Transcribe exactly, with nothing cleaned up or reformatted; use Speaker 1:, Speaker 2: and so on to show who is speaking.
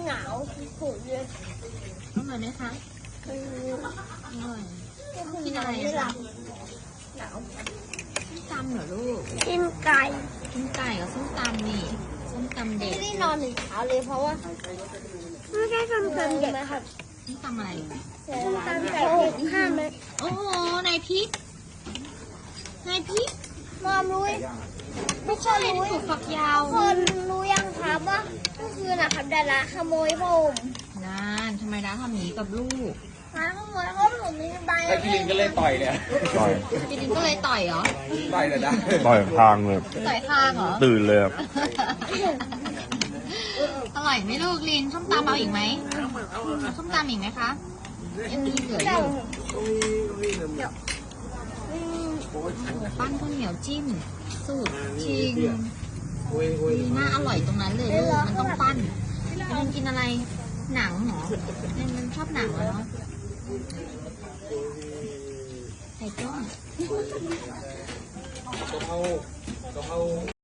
Speaker 1: หนาวขุ่นเลย
Speaker 2: อร่อยไหมคะ
Speaker 1: คือ
Speaker 2: อร่อย
Speaker 1: กินอะไรไม่หลับหนาว
Speaker 2: ส้มตำเหรอลูก
Speaker 1: กินไก่
Speaker 2: กินไก่กับส้มตำนี่ส้มตำเด็
Speaker 1: ไม่
Speaker 2: ก
Speaker 1: ได้นอนถึงเช้าเลยเพราะว่าไม่ได้ทำเกินเด็กครับ
Speaker 2: ส้มตำอะไร
Speaker 1: ตามไก่เด็กห้าเม็ด
Speaker 2: โอ้โหนายพริกนายพริก
Speaker 1: มอมรู้ทุกคนรู้
Speaker 2: ถูกฝักยาว
Speaker 1: ทุกคนรู้ยังครับว่าเมื่อคืนนะครับดาราขโมยผม
Speaker 2: นานทำไมด้าทำอย่างนี้กับลูก
Speaker 1: มาขโมยเพราะผมมีใบ
Speaker 3: ถ้าพี่ลิงก็เลยต่อยเนี่ย
Speaker 4: ต่อย
Speaker 2: จิลินก็เลยต่อยเหรอ
Speaker 3: ต่อยเลยนะ
Speaker 4: ต่อยทางเลย
Speaker 2: ต่อยข้างเหรอ
Speaker 4: ตื่นเลยครับ
Speaker 2: อร่อยไหมลูกลินส้มตำเอาอีกไหมเอาส้มตำอีกไหมคะยังมีเหลืออ
Speaker 1: เจ้า
Speaker 2: ยู่โอ้ปั้นข้าวเหนียวจิ้ม สูตรชิงดีน่าอร่อยตรงนั้นเลยลูกมันต้องปั้นมันกินอะไรหนังเหรอมันชอบหนังเหรอเนาะไข่ต้ม
Speaker 3: กะเพรากะเพรา